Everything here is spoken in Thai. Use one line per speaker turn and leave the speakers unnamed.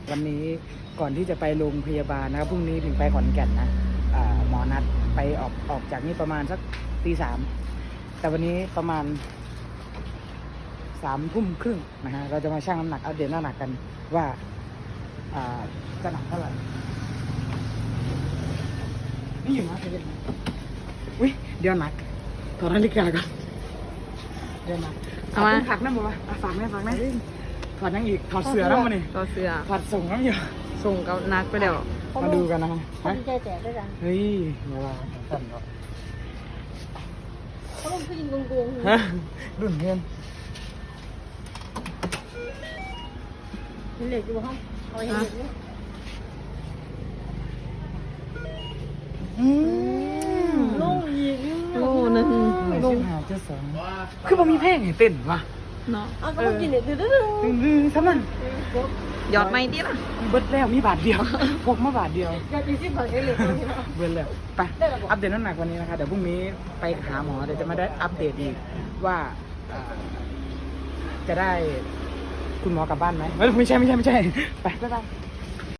วันนี้ก่อนที่จะไปโรงพยาบาลนะครับพรุ่งนี้ถึงไปขอนแก่นนะหมอนัดไปออกจากนี่ประมาณสักตี 3แต่วันนี้ประมาณ3 ทุ่มครึ่งนะฮะเราจะมาชั่งน้ำหนักอัปเดตน้ำหนักกันว่าจะหนักเท่าไหร่นี่อยู่นะเห็นไหมอุ้ยเดี๋ยวหนักถอดนาฬิกาก่อนเดี๋ยวหนักเอามาผักนั่นบอกว่าฝากแม่ถอดนั่งอีกถอดเสื้อแล้วมาเนี่ย
ต่อเสือ
ถอดส่งน้ำอยู่
ส่งกับนักไปเดี๋ยว
มาดูกันนะฮะ
เขาใจแตกด้วยกัน
เฮ้ยมาว่าสั่นก่อน
เขาลงผู้หญิงโกง
ฮะรุ่นเพื่อน
เห็นเหล็กอยู่ห้องเอาเห็นเหล็กนี่
ลง
โลนึง
ลง5.2คือมันมีเพลงให้เต้นวะ
เนาะ
เอาก็ต้องกินเหล็กดื้อ
ดื้อๆซ้ำนั่น
ยอดไม่ดีล่ะ
เบิดแล้วมีบาทเดียวพกมาบาทเดียว
อยากกินที่ผักเหล็กเลย
เบิดแล้วไปอัปเดตน้ำหนักวันนี้นะคะเดี๋ยวพรุ่งนี้ไปหาหมอเดี๋ยวจะมาได้อัปเดตอีกว่าจะได้คุณหมอกลับบ้านไหมไม่ใช่ไปบ๊ายบาย